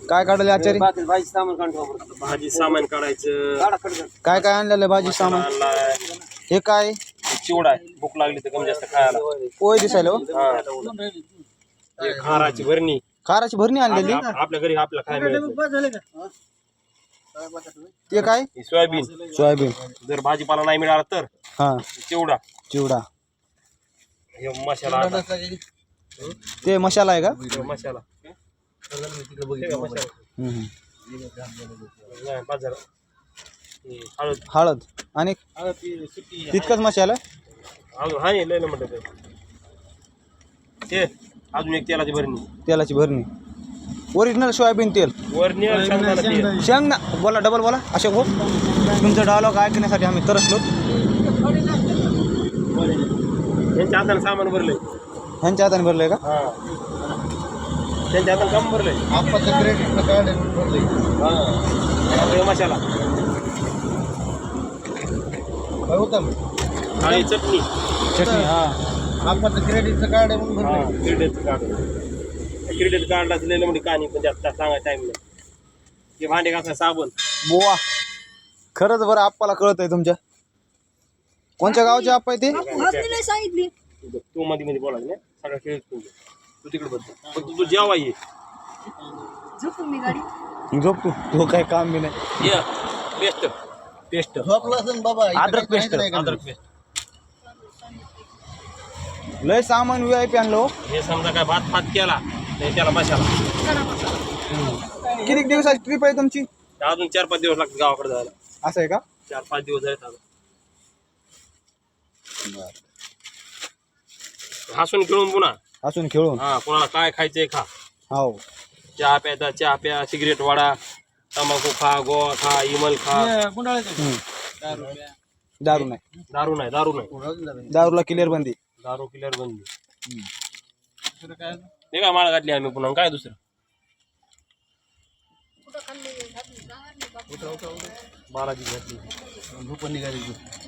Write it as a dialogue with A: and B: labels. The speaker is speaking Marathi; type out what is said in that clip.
A: काय काढले आचारी?
B: भाजी सामान काढायचं.
A: काय काय आणलेलं भाजी सामान? हे काय?
B: चिवडा आहे. भूक लागली तर कमी जास्त खायला.
A: पोहे दिसायला हो.
B: हे खाराची भरणी.
A: खाराची भरणी आणलेली.
B: आपल्या घरी आपल्या खायला मिळत.
A: ते काय?
B: सोयाबीन.
A: सोयाबीन.
B: जर भाजीपाला नाही मिळाला तर
A: हा
B: चिवडा.
A: चिवडा.
B: हे मसाला.
A: ते मसाला आहे का?
B: मसाला. हळद.
A: हळद आणि तितकंच मसाला.
B: अजून हा नाही लय म्हणतात ते. अजून एक तेलाची भरणी.
A: तेलाची भरणी. ओरिजिनल सोयाबीन तेल.
B: वरणी
A: शेंगदा बोला, डबल बोला अशोक भाऊ. तुमचा डायलॉग ऐकण्यासाठी आम्ही तरसलो.
B: यांच्या हाताने सामान भरलंय.
A: ह्यांच्या हाताने भरलंय का?
B: हा त्यांच्या हाताने काम भरलंय. मसाला. आणि चटणी.
A: चटणी. हा
C: क्रेडिटचं कार्ड आहे म्हणून भरलंय.
B: Credit card. क्रेडिट कार्डला दिलेलं म्हणजे कहाणी पण जास्त सांगायचं टाइम नाही. ते भांडे घासा साबण.
A: बोवा खरंच बरं आप्पाला कळत आहे तुमच्या. कोणत्या गावचे आप्पा आहे ते?
D: सांगितली
B: तू मध्ये मध्ये बोलायचं नाही. सगळं खेळ तू तिकडे बद्दल पण तू जेवा ये.
D: झोपून मी गाडी
A: झोप तो काय काम बी नाही.
B: ये पेस्ट. पेस्ट.
C: झोपला असेल बाबा.
A: अद्रक पेस्ट.
B: अद्रक पेस्ट.
A: लय सामान VIP आणलो.
B: हे समजा काय भात फात केला तर त्याला मसाला.
A: किती दिवसाची ट्रिप आहे तुमची?
B: अजून 4-5 दिवस लागतात गावाकडे जायला.
A: असं आहे का?
B: 4-5 दिवस झाले अजून. हसून खेळून पुन्हा.
A: असून खेळून.
B: हा कोणाला काय खायचंय खा.
A: हो.
B: चहा प्यायचा चहा प्या. सिगरेट वाडा. तंबाखू खा. गोवा खा. इमल खा.
A: दारू नाही.
B: दारू नाही. दारू नाही.
A: दारूला क्लिअर बंदी.
B: दारू किलर बंदी. हे काय माळ घातली आम्ही पुन्हा काय दुसरं. बालाजी घातली.
C: झोपून निघाली.